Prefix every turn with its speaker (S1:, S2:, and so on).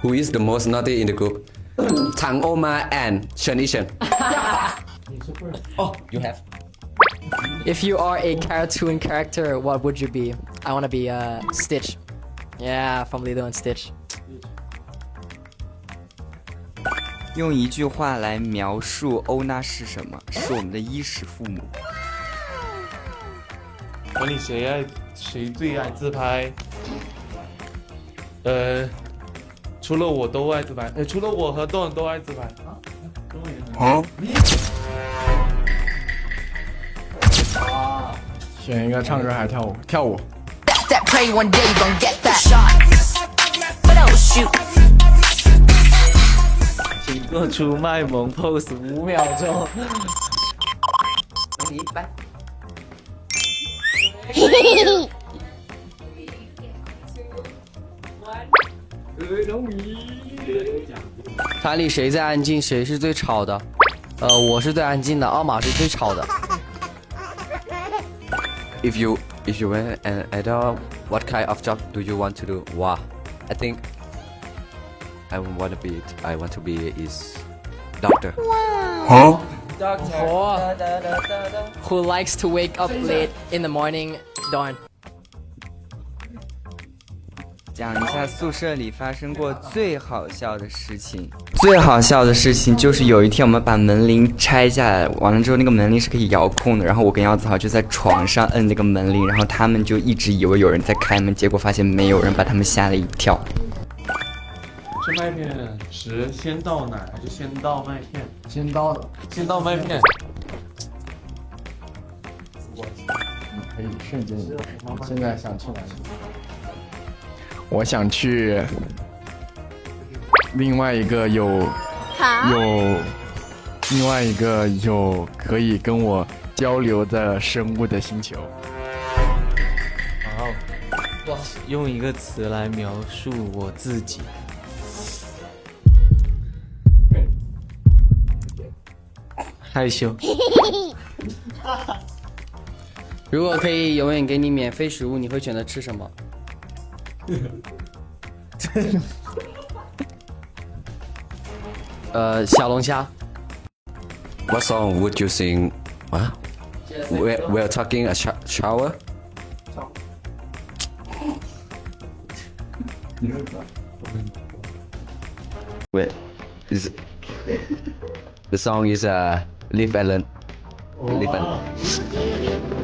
S1: Who is the most naughty in the group? Tang Oma and Chen Yishen. Oh, you have.
S2: If you are a cartoon character, what would you be? I want to be Stitch. Yeah, from Lilo and Stitch.
S3: 用一句话来描述欧娜是什么？是我们的衣食父母。
S4: 管理谁最爱自拍？除了我都爱自拍，除了我和豆都爱自拍。
S5: 选一个唱歌还是跳舞？跳舞。
S6: That pray one day you gon' get that shot. But oh shoot.
S7: 请做出卖萌 pose 5秒钟。
S1: 你来。
S8: 台里谁最安静，谁是最吵的？我是最安静的，奥马是最吵的。
S1: If you were an adult, what kind of job do you want to do? Wow, I think I want to be is doctor.
S2: Or who likes to wake up late in the morning? Darn.
S3: 讲一下宿舍里发生过最好笑的事情。最好笑的事情就是有一天我们把门铃拆下来，完了之后那个门铃是可以遥控的，然后我跟姚子豪就在床上摁那个门铃，然后他们就一直以为有人在开门，结果发现没有人，把他们吓了一跳。
S4: 吃麦片时先倒奶还是先倒麦片？
S5: 先到的。
S4: 先倒麦片。
S5: 可以瞬间。现在想去哪里？我想去另外一个有可以跟我交流的生物的星球。
S7: 哇，用一个词来描述我自己。害羞。
S8: 如果可以永远给你免费食物，你会选择吃什么？小龙虾。
S1: What song would you sing? What? We're talking a shower. Wait, is the song is Live and Learn. Live and Learn.